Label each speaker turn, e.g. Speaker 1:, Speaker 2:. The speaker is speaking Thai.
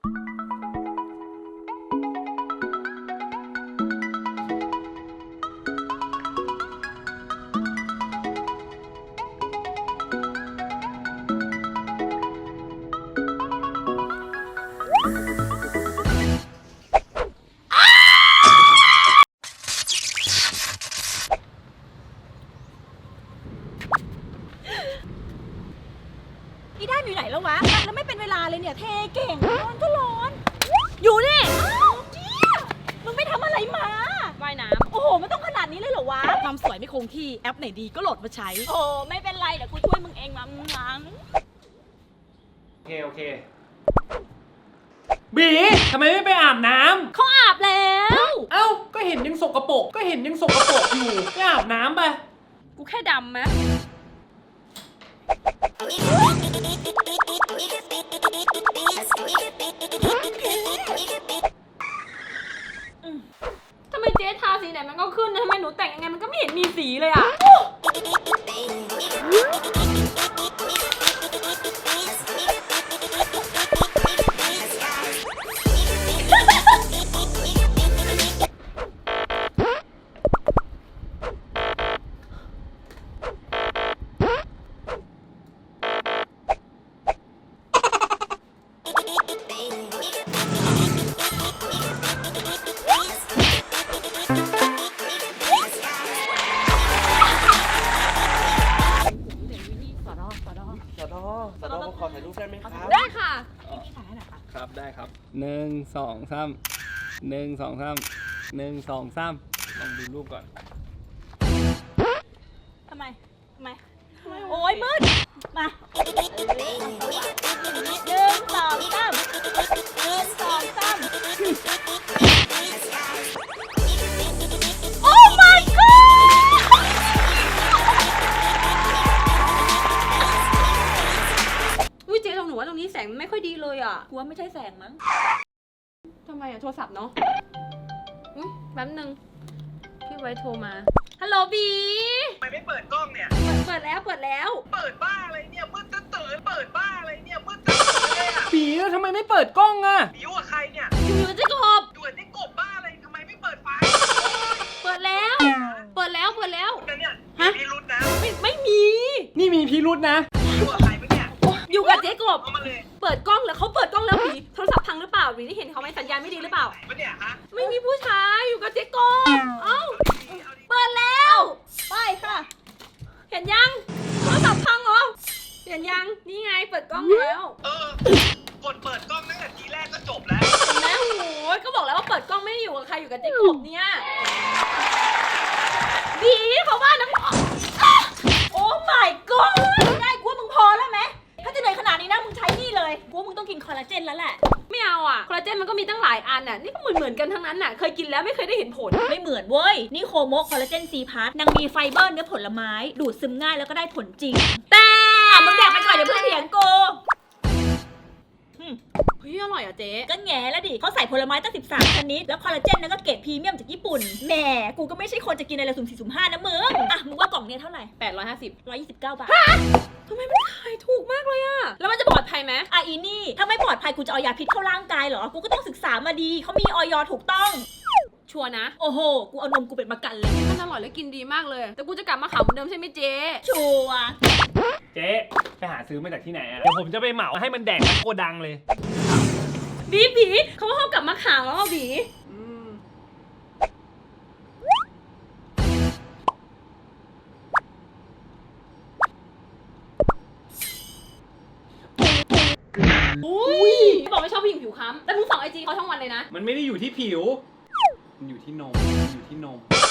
Speaker 1: อีด้านอยู่ไหนแล้ววะแล้วไม่เป็นเวลาเลยเนี่ยเทเก่งร้อนก็ร้อนอยู่นี่เจี๊ยมึงไม่ทำอะไรมาว่ายน้ำโอ้โหไม่ต้องขนาดนี้เลยเหรอวะความสวยไม่คงที่แอปไหนดีก็โหลดมาใช้โอ้ไม่เป็นไรเดี๋ยวกูช่วยมึงเองมั้ง
Speaker 2: โอเคบีทำไมไม่ไปอาบน้ำ
Speaker 1: เขาอาบแล้ว
Speaker 2: เอ้าก็เห็นยังสกปรกอยู่ไม่อาบน้ำไป
Speaker 1: กูแค่ดำไหมทำไมเจ๊ทาสีไหนมันก็ขึ้นนะทำไมหนูแต่งยังไงมันก็ไม่เห็นมีสีเลยอ่ะ
Speaker 3: ขอถ่ายรูปได้ไหมครับ
Speaker 1: ได้ค่ะพี่ถ่ายให้หน่อยค่ะ
Speaker 2: ครับได้ครับ
Speaker 4: 1 2 3 1 2 3 1 2 3ลองดูรูปก่อน
Speaker 1: ทำไมโอ้ยมืดมา1 2 3โอ้ my godอุ้ยเจ๊หนูว่าตรงนี้แสงมันไม่ค่อยดีเลยอ่ะกูว่าไม่ใช่แสงมั้งทำไมอ่ะโทรศัพท์เนาะอุ้ยแป๊บนึงพี่ไว้โทรมาฮัลโหลบี
Speaker 3: ทำไมไม่เปิดกล้องเนี่ย
Speaker 1: เปิดแล้วเปิด
Speaker 3: บ้าอะไรเนี่ยมืดตื่นเปิดบ้าอะไรเนี่ยมืดตื่นเลยอ่ะ
Speaker 2: บีแล้วทำไมไม่เปิดกล้องอ่ะ
Speaker 3: บิวกับใครเนี่ย
Speaker 1: อยู่จะกบ
Speaker 3: ด่วนนี่กบบ้าอะไรทำไมไม่เปิดไฟ
Speaker 1: เปิดแล้ว
Speaker 3: เนี่ยมีรุ้นนะ
Speaker 1: ไม่มี
Speaker 2: นี่มีพิรุธนะ
Speaker 3: บิวกับใครปะเนี่ย
Speaker 1: อยู่กับเจ๊กบ
Speaker 3: เอามาเลย
Speaker 1: เปิดกล้องแล้วเขาเปิดกล้องแล้วบีโทรศัพท์พังหรือเปล่าบีได้เห็นเขาไหมสัญญาณไม่ดีหรือเปล่า
Speaker 3: ปะเนี่ยฮะ
Speaker 1: ไม่มีผู้ชายอยู่กับเจ๊กบเอ้าเปิดแล้วไปค่ะเห็นยังโทรศัพท์พังเหรอเห็นยังนี่ไงเปิดกล้องแล้ว
Speaker 3: กดเปิดกล้องตั้งแต่ทีแรกก็จบแล้ว
Speaker 1: เห็นไหมโอ้ยก็บอกแล้วว่าเปิดกล้องไม่ได้อยู่กับใครอยู่กับเจ๊กบเนี่ยบีเขาว่านะโอ้ my god ได้กูว่ามึงพอแล้วไหมถ้าจะเหนื่อยขนาดนี้นะมึงใช้นี่เลยกูว่ามึงต้องกินคอลลาเจนแล้วแหละไม่เอาอ่ะคอลลาเจนมันก็มีตั้งหลายอันน่ะนี่ก็เหมือนกันทั้งนั้นน่ะเคยกินแล้วไม่เคยได้เห็นผลไม่เหมือนเว้ยนี่โคโมคอลลาเจนซีพาร์ตนางมีไฟเบอร์เนื้อผลไม้ดูดซึมง่ายแล้วก็ได้ผลจริงแต่มึงแดกไปก่อนเดี๋ยวเพื่อนเถียงกูเฮ้ยอร่อยอ่ะเจ๊ก็แง่แล้วดิเขาใส่ผลไม้ตั้ง13ชนิดแล้วคอลลาเจนนั้นก็เกรดพรีเมียมจากญี่ปุ่นแหมกูก็ไม่ใช่คนจะกินอะไรสุ่ม4สุ่ม5นะมึงอ่ะมึงว่ากล่องเนี้ยเท่าไหร่129 บาททำไมมันขายถูกมากเลยอะแล้วมันจะปลอดภัยไหมอีนี่ถ้าไม่ปลอดภัยกูจะเอายาพิษเข้าร่างกายเหรอกูก็ต้องศึกษามาดีเขามีอย.ถูกต้องชัวร์นะโอ้โหกูเอานมกูเป็นประกันเลยมันอร่อยและกินดีมากเลยแต่กูจะกลับมาขาวเหมือนเดิมใช่ไหมเจ๊ชัวร์
Speaker 2: เจ๊ไปหาซื้อมาจากที่ไหนอ่ะเดี๋ยวผมจะไปเหมาให้มันแดกโกดังเลย
Speaker 1: บีเขาว่าเขากลับมาขาวแล้วบีอุ้ยบอกไม่ชอบผู้หญิงผิวค้ำแต่มึงส่องไอจีเขาทั้งวันเลยนะ
Speaker 2: มันไม่ได้อยู่ที่ผิวมันอยู่ที่นม